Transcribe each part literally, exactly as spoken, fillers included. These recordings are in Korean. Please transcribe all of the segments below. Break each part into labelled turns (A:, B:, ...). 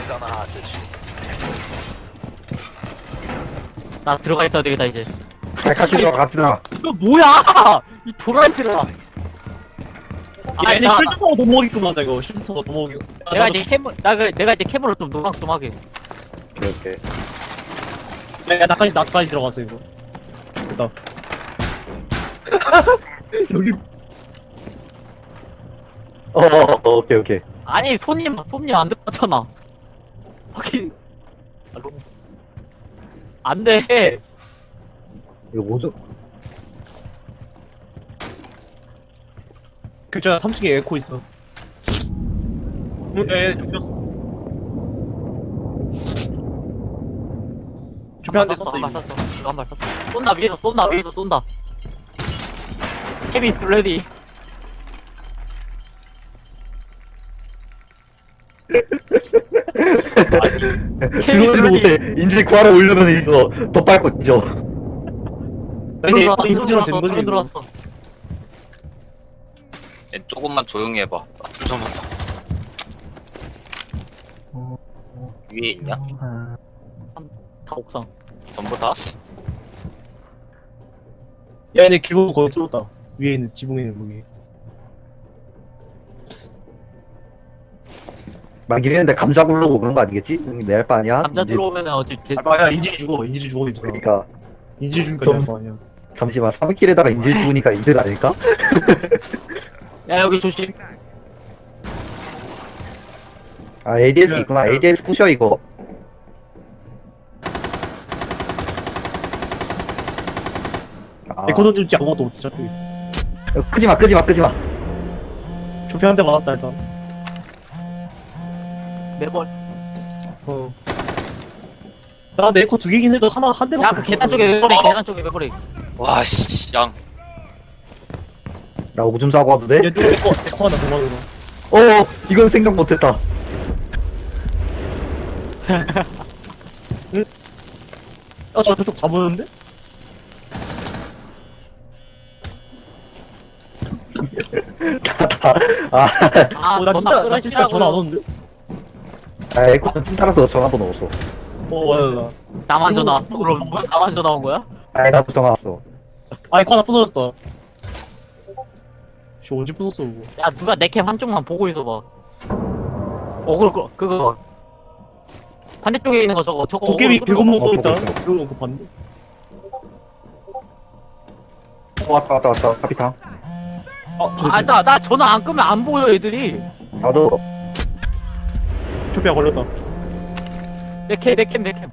A: 나 들어가 있어야 되겠다 이제.
B: 아, 같이 들어가 같이 들어가.
A: 이거 뭐야? 이 도라이들아.
C: 아, 얘네 쉴드타워 못 먹이구만, 나 이거. 쉴드타워 못 먹이고.
A: 내가 이제 캠을 나 그- 내가 이제 캠으로 좀 노방 좀 하게.
B: 오케이 오케이.
C: 야, 나까지, 나까지 들어갔어, 이거. 됐다. 여기.
B: 어, 어, 어 오케이 오케이.
A: 아니 손님 손님 안 들어갔잖아. 확인. 안 돼.
B: 이거 뭐죠?
C: 글자 삼 층에 에코 있어. 응, 에, 좁혔어. 좁혔는데 썼어,
A: 한발
C: 이거.
A: 쐈어. 이거 한발 쐈어. 쏜다 위에서 쏜다 위에서 쏜다. 헤비 레디.
B: 들어오지도 못해. 인질 구하러 오려면 이거 더 빨고 뛰죠.
C: 근데
A: 들어왔어.
C: 이 소리랑 된
A: 들어왔어.
C: 거지. 이거.
A: 들어왔어.
D: 얘 조금만 조용히 해봐. 나좀 좀 하자. 위에 있냐?
A: 다 옥상.
D: 전부 다?
C: 야, 얘네 기본 거의 뚫었다. 위에 있는, 지붕에 있는 무기.
B: 막 이랬는데 감자 굴르고 그런 거 아니겠지? 내할 바 아니야?
A: 감자
B: 인질-
A: 들어오면은 어찌 개...
C: 아, 아니야, 인질이 죽어. 인질이 죽어, 인질이.
B: 그러니까
C: 인질이 죽으니까
B: 좀-
C: 될거 아니야.
B: 잠시만 삼 킬에다가 인질 죽으니까 이들 아닐까?
A: 야 여기 조심.
B: 아 에이디에스
C: 야,
B: 있구나.
C: 야.
B: 에이디에스 부셔 이거. 아,
C: 에코 던질지 아무것도 못해, 어차피.
B: 끄지마 끄지마 끄지마.
C: 조피 한 대 맞았다, 일단.
A: 매번.
C: 어. 나 내 에코 두 개긴 해도 하나, 한 대만.
A: 야그 계단 쪽에 매버리. 계단 쪽에 매버리.
D: 와, 씨, 양.
B: 나 오줌 싸고 와도 돼?
C: 얘 누가 에코, 에코 하나 더 맞으러.
B: 어 이건 생각 못했다.
C: 아, 저 저쪽 다 보였는데?
B: 아,
A: 아
C: 어, 나 진짜, 나 진짜 전화 안
A: 고
C: 오는데?
B: 아 에코는 찐 따라서 전화번호 없어.
C: 어, 맞아, 맞아.
A: 나만 전화 왔어? 그럼 뭐야? 나만 전화 온 거야?
B: 아니 나도 전화 왔어.
C: 아, 에코 하나 부서졌다. 씨, 언제 부쉈어, 이거.
A: 야 누가 내 캠 한쪽만 보고 있어봐. 어 그거 그거 반대쪽에 있는 거 저거 저거
C: 도깨비
A: 어그로
C: 백원만
B: 어,
C: 써 있다.
B: 보고 있어.
C: 이거 그거 봤는데?
B: 어, 왔다 왔다 왔다 카피탕.
C: 아, 저,
A: 아, 나, 나 전화 안 끄면 안 보여, 애들이.
B: 나도
C: 조피아 걸렸다.
A: 내 캠, 내 캠, 내 캠.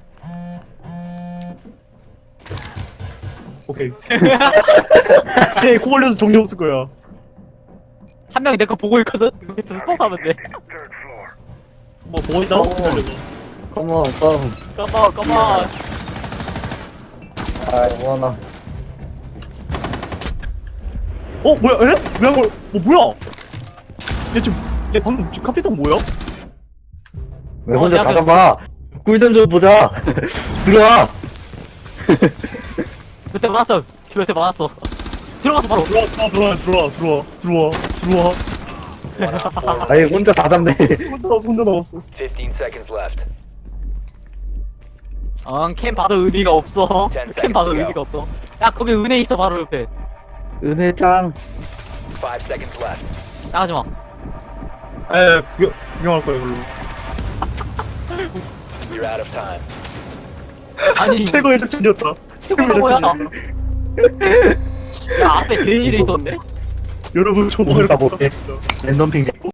C: 오케이. 쟤 코 걸려서 정리 없을 거야.
A: 한 명이 내 거 보고 있거든? 여기서 스포츠 하면 돼.
C: 뭐, 뭐 있다?
B: 어.
C: 걸려서.
B: 컴온 컴.
A: 까마, 까마.
B: 아 뭐하나.
C: 어, 뭐야, 에? 왜한 걸, 어, 뭐야? 얘 지금, 얘 방금 지금 카피탕 뭐야?
B: 왜
A: 어,
B: 혼자
A: 내가
B: 다 잡아? 꿀좀 좀 보자. 들어와.
A: 그때 많았어. 그때 많았어. 들어가서 바로.
C: 들어와, 들어와, 들어와, 들어와, 들어와, 들어와, 들어와.
B: 아니 혼자 다 잡네.
C: 혼자, 혼자 나왔어.
E: fifteen seconds left.
A: 응, 캠 봐도 의미가 없어.
E: Ten
A: 캠 봐도
E: seconds
A: 의미가 없어. 야, 거기 은혜 있어, 바로 옆에.
B: 은혜짱.
E: Five seconds left.
A: 나가지 마.
C: 에, 구경, 구경할 거야, 이걸로.
E: You're out of time.
A: 아니,
C: 최고의 작전이었다. 최고의
A: 뭐야?
C: 작전이었다.
A: 야, 앞에 대실이 있었네?
C: 여러분, 정말.
B: 몸 싸볼게. 랜덤 핑.